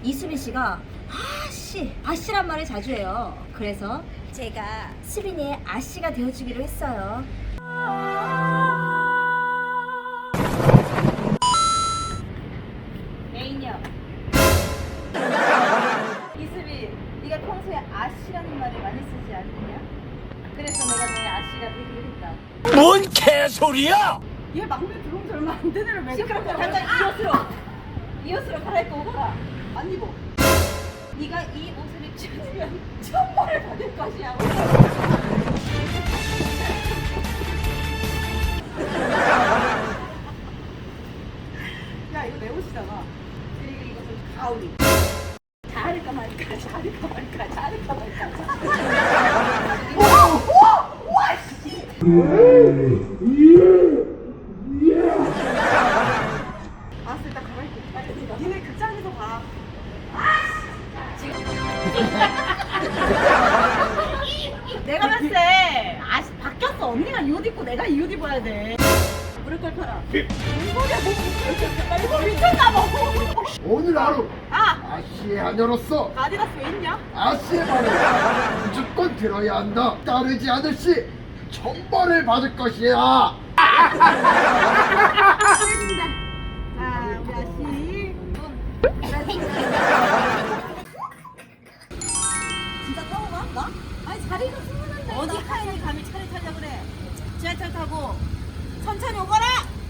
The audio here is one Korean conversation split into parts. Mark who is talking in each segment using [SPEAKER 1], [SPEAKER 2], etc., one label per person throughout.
[SPEAKER 1] 이수빈 씨가 아씨란 말을 자주 해요. 그래서 제가 수빈이의 아씨가 되어주기로 했어요. 메인이요. 이수빈, 네가 평소에 아씨라는 말을 많이 쓰지 않느냐? 그래서 내가 너의 아씨가 되기로 했다.
[SPEAKER 2] 뭔 개소리야!
[SPEAKER 3] 얘 막내 들어온 지 얼마 안 된 애를 왜
[SPEAKER 1] 시끄럽고 당장 이 옷으로 갈아입고 오거라.
[SPEAKER 3] 안 입어.
[SPEAKER 1] 네가 이 옷을 입으면 천벌을 받을 것이야.
[SPEAKER 3] 야 이거 내 옷이잖아. 그리고 이것은 가오리.
[SPEAKER 1] 잘할까 말까.
[SPEAKER 3] 알았어 일단 가만히 있어. 니네 극장에서 봐. 내가 봤을 때 바뀌었어. 언니가 이 옷 입고 내가 이 옷 입어야 돼. 무릎 꿇혀라. 빨리 미쳤나 봐.
[SPEAKER 4] 오늘 하루
[SPEAKER 3] 아!
[SPEAKER 4] 아씨의 하녀로서
[SPEAKER 3] 아디다스 왜 있냐?
[SPEAKER 4] 아씨의 말을 무조건 들어야 한다. 따르지 않을 시 천벌을 받을 것이야.
[SPEAKER 3] 알겠습니다. 자, 우리 아씨.
[SPEAKER 1] 진짜 타고 가? 나? 아니 자리가 숨는데
[SPEAKER 3] 어디 하얀이 감히 차를 타자 그래. 지하철 타고 천천히 오거라.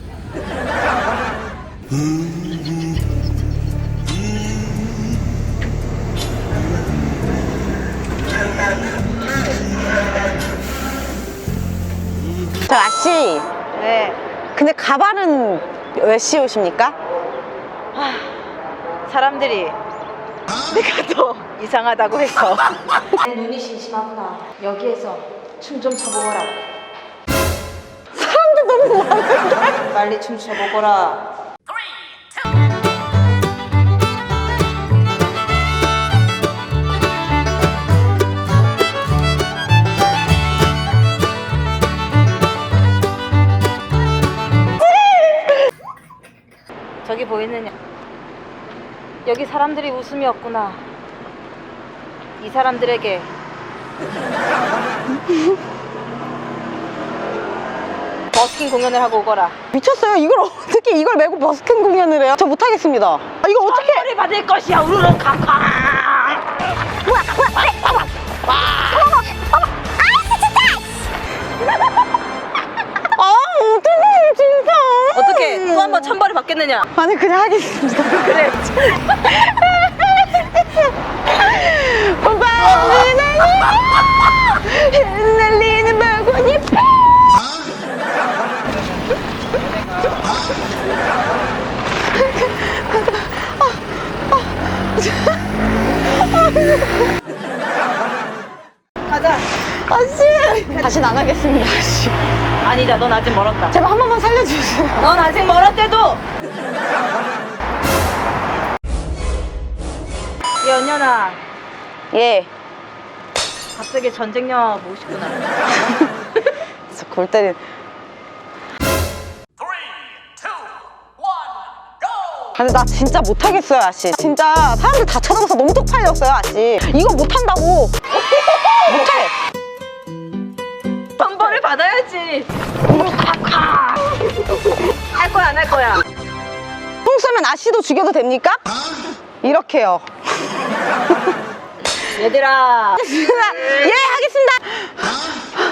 [SPEAKER 5] 저 아씨,
[SPEAKER 3] 네.
[SPEAKER 5] 근데 가발은 왜 씌우십니까?
[SPEAKER 3] 사람들이 내가 더 이상하다고 해서.
[SPEAKER 1] 내 눈이 심심하구나. 여기에서 춤 좀 춰보거라.
[SPEAKER 5] 사람들 너무 많은데?
[SPEAKER 1] 빨리 춤 춰보거라.
[SPEAKER 3] 저기 보이느냐? 여기 사람들이 웃음이 없구나. 이 사람들에게 버스킹 공연을 하고 오거라.
[SPEAKER 5] 미쳤어요. 이걸 어떻게 이걸 메고 버스킹 공연을 해요? 저 못하겠습니다. 아, 이거 어떻게?
[SPEAKER 3] 선물을 받을 것이야. 우르르 캉캉.
[SPEAKER 5] 아, 어떡해, 진짜.
[SPEAKER 3] 어떻게 또 한 번 천벌을 받겠느냐?
[SPEAKER 5] 아니, 그냥 하겠습니다.
[SPEAKER 3] 그래.
[SPEAKER 5] 오빠, 날리는 바구니.
[SPEAKER 3] 가자.
[SPEAKER 5] 아씨. 다시는 안 하겠습니다, 아씨.
[SPEAKER 3] 아니다. 넌 아직 멀었다.
[SPEAKER 5] 제발 한 번만 살려주세요.
[SPEAKER 3] 넌 아직 멀었대도. 이 언년아,
[SPEAKER 5] 예.
[SPEAKER 3] 갑자기 전쟁 영화 보고 싶구나.
[SPEAKER 5] 진짜 골 때린.
[SPEAKER 2] 3, 2, 1, GO!
[SPEAKER 5] 근데 나 진짜 못하겠어요, 아씨. 진짜 사람들 다 쳐다봐서 너무 쪽팔렸어요, 아씨. 이거 못한다고. 못해.
[SPEAKER 3] 천벌을 받아야지. 할 거야, 안 할 거야?
[SPEAKER 5] 총 쏘면 아씨도 죽여도 됩니까? 이렇게요.
[SPEAKER 3] 얘들아.
[SPEAKER 5] 예, 하겠습니다.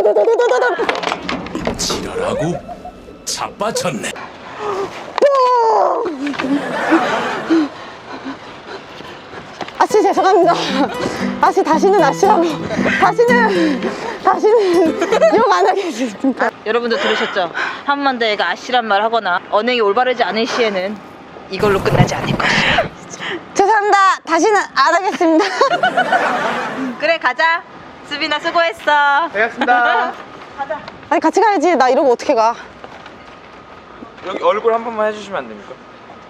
[SPEAKER 2] 지랄하고 자빠졌네.
[SPEAKER 5] 뽀! 아씨 죄송합니다. 아씨 다시는 아씨라고 다시는 욕 안 하겠습니다.
[SPEAKER 3] 여러분도 들으셨죠? 한만대가 아씨란 말 하거나 언행이 올바르지 않은 시에는 이걸로 끝나지 않을 것이야.
[SPEAKER 5] 죄송합니다. 다시는 안 하겠습니다.
[SPEAKER 3] 그래 가자. 수빈아 수고했어.
[SPEAKER 6] 알겠습니다.
[SPEAKER 5] 아니 같이 가야지. 나 이러고 어떻게 가?
[SPEAKER 6] 여기 얼굴 한 번만 해주시면 안 됩니까?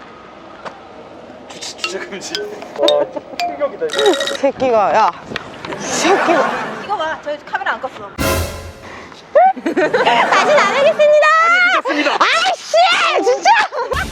[SPEAKER 6] 주차 금지. 와, 충격이다.
[SPEAKER 5] 새끼가 야 새끼가
[SPEAKER 3] 이거 봐. 저 카메라 안 껐어.
[SPEAKER 5] 다시는 안 하겠습니다.
[SPEAKER 6] 아니, 믿었습니다.
[SPEAKER 5] 아이씨 진짜.